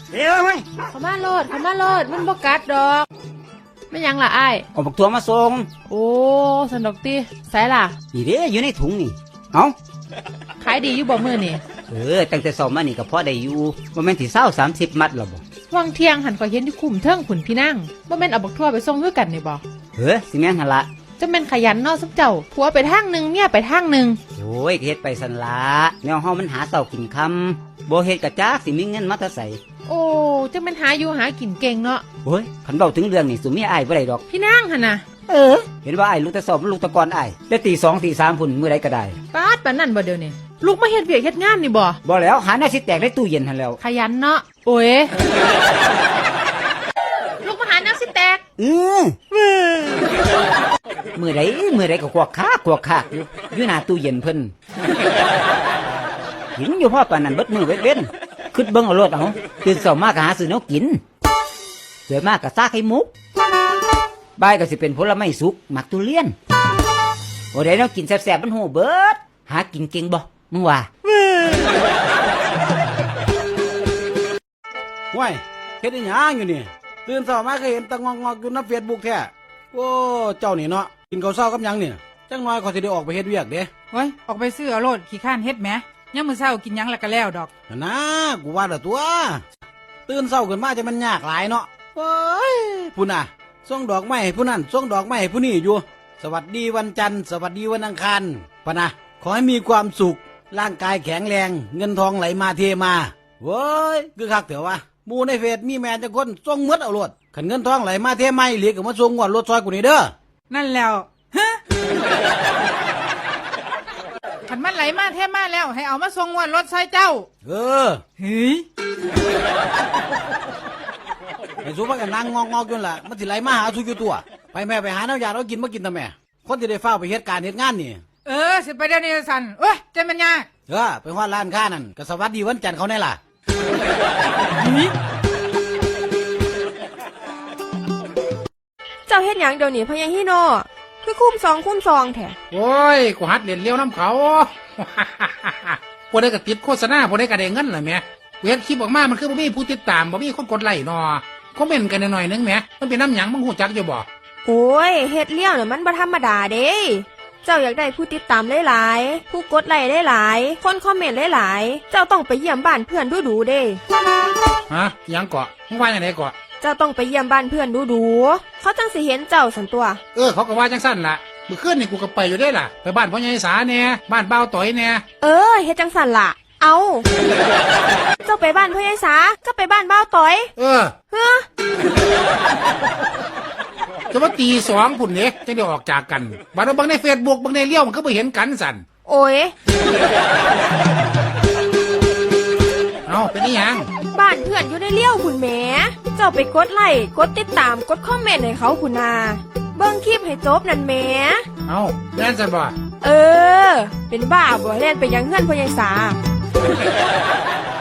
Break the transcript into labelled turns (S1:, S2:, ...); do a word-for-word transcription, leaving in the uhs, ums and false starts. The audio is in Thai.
S1: เดี๋ยวไหม
S2: เขามาโลดเขามาโลดมันบ่กัดดอกไม่ยังล่ะไอ้
S1: เอาบักตัวมาส่ง
S2: โอ้สนุกตีใส่ล่ะ
S1: นี่เด้อยู่ในถุงนี่เอา
S2: ขายดีอยู่บ่มือนี่
S1: เออตั้งแต่สอบมานี่ก็พอได้อยู่บ่แม่นที่เศร้าสามสิบมัดหรอบ่
S2: วังเที่ยงหันข่อยเห็นที่คุ้มเทิงขุนพี่นั่งบ่แม่นเอาบักทั่วไปส่งคือกันนี่บ่
S1: เฮ้อสิแม่นหั่นละ
S2: จะแม่นขยันเนาะซุปเจ้าผัวไปทางนึงเมียไปทางนึง
S1: โอ้ยเฮ็ดไปสั่นละแนวเฮามันหาเช้ากินค่ำบ่เฮ็ดกะจักสิมีเงินมาแต่ไส
S2: โอ้จะแม่นหาอยู่หากินเก่งเนาะ
S1: โอ้ยคันเว้าถึงเรื่องนี่สุมีอ้ายบ่ได้ดอก
S2: พี่นั่งหั่นน่ะ
S1: เออเห็นว่าอ้ายลูกแต่สอบลูกแต่ก่อนอ้ายได้ตีสองตีสามพุ่นมื้อใดก็ได้
S2: ปาดปานนั้นบ่เดี๋ยวนี้ลูกมาเฮ็ดเวียกเฮ็ดงานนี่บ่
S1: บ่แล้วหาแนวสิแตกในตู้เย็นหั่นแล้ว
S2: ขยันเนาะโอ้ยลูกมาหาแนวสิแตก
S1: อือมื้อใดมื้อใดก็กวกคากวกคากอยู่อยู่หน้าตู้เย็นเพิ่นกินอยู่พอปานนั้นเบิดมื้อเบิดเว้นคิดเบิ่งเอาโลดเอาตื่นเช้ามาก็หาซื้อแนวกินเดี๋ยวมาก็ซากไข่มุกบ่ายก็สิเป็นผลไม้สุกหมักทุเรียนโอ้ได้แนวกินแซ่บๆมันหูเบิดหากินเก่งบ่มึงว่า
S3: ว้ายเฮ็ดอีหยังอยู่นี่ตื่นเช้ามาก็เห็นตะงอกๆอยู่ใน Facebook แท้โอ้เจ้านี่เนาะกินข้าวเช้ากับหยังเนี่ยจังน้อยก็สิได้ออกไปเฮ็ดเวียกเด้
S4: โอ้ยออกไปซื้อเอาโลดขี้ข้านเฮ็ดแหมยามมื้อเช้ากินหยังแล้วก็แล้วดอก
S3: นะกูว่าละตัวตื่นเช้าขึ้นมาจะมันยากหลายเนาะโอ้ยพุ่นน่ะส่งดอกไม้ให้ผู้นั้นส่งดอกไม้ให้ผู้นี้อยู่สวัสดีวันจันทร์สวัสดีวันอังคารปะนะขอให้มีความสุขร่างกายแข็งแรงเงินทองไหลมาเทมาเว้ยคือคักเถอะวะหมู่ในเฟซมีแม่จังคนส่งหมดเอาโลดคันเงินทองไหลมาเทมาอีหลีก็มาส่งงวดรถซอยกูนี่เด้อ
S4: นั่นแล้วฮะคันมันไหลมาเทมาแล้วให้เอามาส่งงวดรถซอยเจ้า
S3: เออ
S4: เฮ้ย
S3: ไอ้สู้ว่ากันนั่งงอกๆอยู่ล่ะมันสิไหลมาหาสู้อยู่ตัวไปแม่ไปหาน้ำยาเรากินมากินทำแม่คนที่ได้เฝ้าไปเหตุการณ์เหตุงานนี่
S4: เออสิไปเดี๋ยวนี้สั่นเอ้ยใจมันยาก
S3: เออไปฮอดร้านค้านั่นก็สวัสดีวันจันทร์เขาแน่ล่ะ
S5: เจ้าเฮ็ดหยังเดี๋ยวนี้พญาฮิโนคือคุ้มซองคุ้มซองแท้
S6: โอ้ยกูหัดเรียนเลี้ยวน้ำเขาพวกได้ก็ติดโฆษณาพวกได้ก็ได้เงินเลยแม่เวียนคลิปออกมามันคือบ่มีผู้ติดตามบ่มีคนกดไลค์นอคอมเมนต์กันหน่อยนึงแม่มันเป็นน้ำหยังมึงหูจักอยู่บ่
S5: โอ้ยเฮ็ดเลี้ยวเนี่ยมันบ่ธรรมดาเด้เจ้าอยากได้ผู้ติดตามหลายๆผู้กดไลค์หลายๆคนคอมเมนต์หลายๆเจ้าต้องไปเยี่ยมบ้านเพื่อนดูๆเด้
S6: ฮะยังเกาะมึงว่าอย่างไรเกาะ
S5: เจ้าต้องไปเยี่ยมบ้านเพื่อนดูๆเขาจังสิเห็นเจ้าสันตัว
S6: เออเขาก็ว่าจังสั้นล่ะเมื่อคืนนี่กูก็ไปอยู่ได้ล่ะไปบ้านพ่อใหญ่สาแน่บ้านเบาต่อยแน่
S5: เออเฮ็ดจังสั่นล่ะเอาเจ้าไปบ้านพ่อใหญ่สาก็ไปบ้านเบาต่อย
S6: เออ
S5: เฮ้อ
S6: จะว่าตีสองพุ่นเนี่ยจะได้ออกจากกันบัดเราบังในเฟซบุ๊กบังในเลี้ยวมันก็ไปเห็นกันสั่น
S5: โอ้ย
S6: เอาเป็นนี่ยัง
S5: บ้านเพื่อนอยู่ในเลี้ยวพุ่นแหมเจ้าไปกดไลค์กดติดตามกดคอมเมนต์ให้เขาพุ่นนาเบิ่งคลิปให้จบนั่นแหม
S6: เอาแน่นสั่นบ่
S5: เออเป็นบ้าบ่เล่นไปยังเฮือนพ่อใหญ่สา